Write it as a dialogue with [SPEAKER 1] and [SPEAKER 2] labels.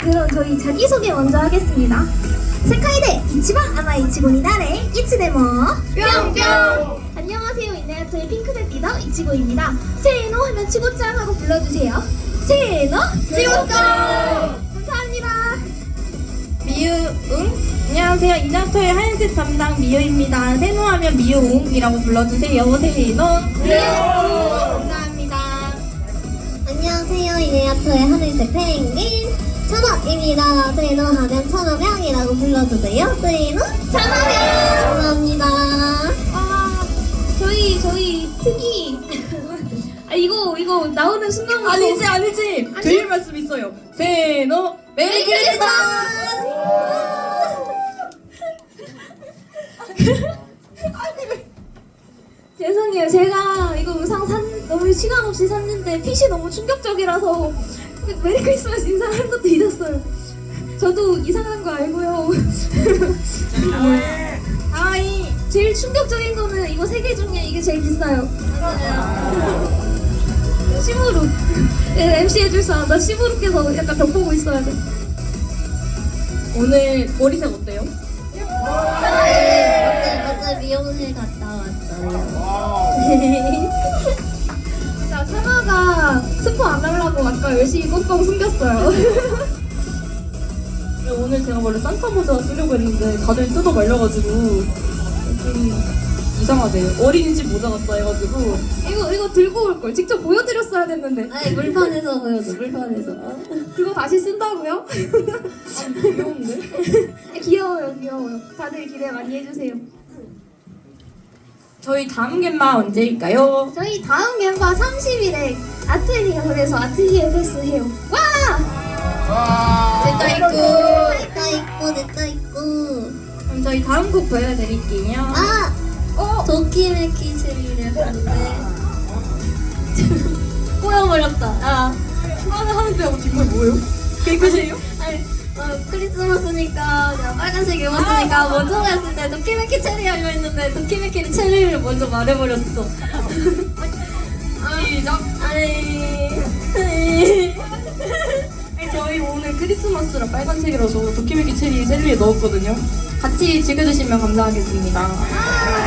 [SPEAKER 1] 그럼 저희 자기소개 먼저 하겠습니다. 세카이대 이치방 아마 이치고니다레 이치데모 뿅뿅. 안녕하세요. 이네아토의 핑크색 리더 이치고입니다. 세노 하면 치고짱 하고 불러주세요. 세노 치고짱. 감사합니다.
[SPEAKER 2] 미유응? 안녕하세요. 이나토의 하얀색 담당 미유입니다. 세노하면 미유웅이라고 불러주세요. 세노 감사합니다.
[SPEAKER 3] 안녕하세요. 이네아토의 하늘색 펭귄 천업입니다. 세노하면 천업양이라고 불러주세요. 세노 천업양. 감사합니다.
[SPEAKER 1] 저희 특이 이거 나오는 순간부터
[SPEAKER 2] 아니지. 드릴 말씀 있어요. 세노 메리 크리스마스.
[SPEAKER 1] 죄송해요. 제가 이거 의상 너무 시간 없이 샀는데 핏이 너무 충격적이라서 메리 크리스마스 인사하는 것도 잊었어요. 저도 이상한 거 알고요.
[SPEAKER 2] 하이.
[SPEAKER 1] 제일 충격적인 거는 이거 세 개 중에 이게 제일 비싸요. 시무룩. MC 해줄 사람 나 시무룩해서 약간 벽 보고 있어야 돼.
[SPEAKER 2] 오늘 머리색 어때요?
[SPEAKER 3] 어제 미용실 갔다 왔어요.
[SPEAKER 1] 자, 차마가 스포 안 하려고 아까 열심히 꽁꽁 숨겼어요.
[SPEAKER 2] 오늘 제가 원래 산타 모자 쓰려고 했는데 다들 뜯어 말려가지고 좀 이상하대요. 어린이집 모자 같다 해가지고.
[SPEAKER 1] 이거 들고 올 걸. 직접 보여드렸어야 됐는데.
[SPEAKER 3] 아니 물판에서 보여줘. 물판에서.
[SPEAKER 1] 그거 다시 쓴다고요?
[SPEAKER 2] 귀여운데?
[SPEAKER 1] 귀여워요. 다들 기대 많이 해주세요.
[SPEAKER 2] 저희 다음 gem마 언제일까요?
[SPEAKER 1] 저희 다음 멤버 30일에 아트리에서 아트리에 패스 해요. 와!
[SPEAKER 2] 됐다 있고.
[SPEAKER 3] 됐다 있고.
[SPEAKER 2] 그럼 저희 다음 곡 보여드릴게요.
[SPEAKER 3] 아! 도키메키 체리를 봤는데 꼬여버렸다.
[SPEAKER 2] 하는데 하고 뒷말 뭐예요? 개그세요?
[SPEAKER 3] 아니, 크리스마스니까 그냥 빨간색 입었으니까 먼저 했을 때 도키메키 체리 하려 했는데 도키메키 체리를 먼저 말해버렸어.
[SPEAKER 2] 시작.
[SPEAKER 3] 아니.
[SPEAKER 2] 저희 오늘 크리스마스라 빨간색이라서 도키메키 체리 셀리에 넣었거든요. 같이 즐겨주시면 감사하겠습니다.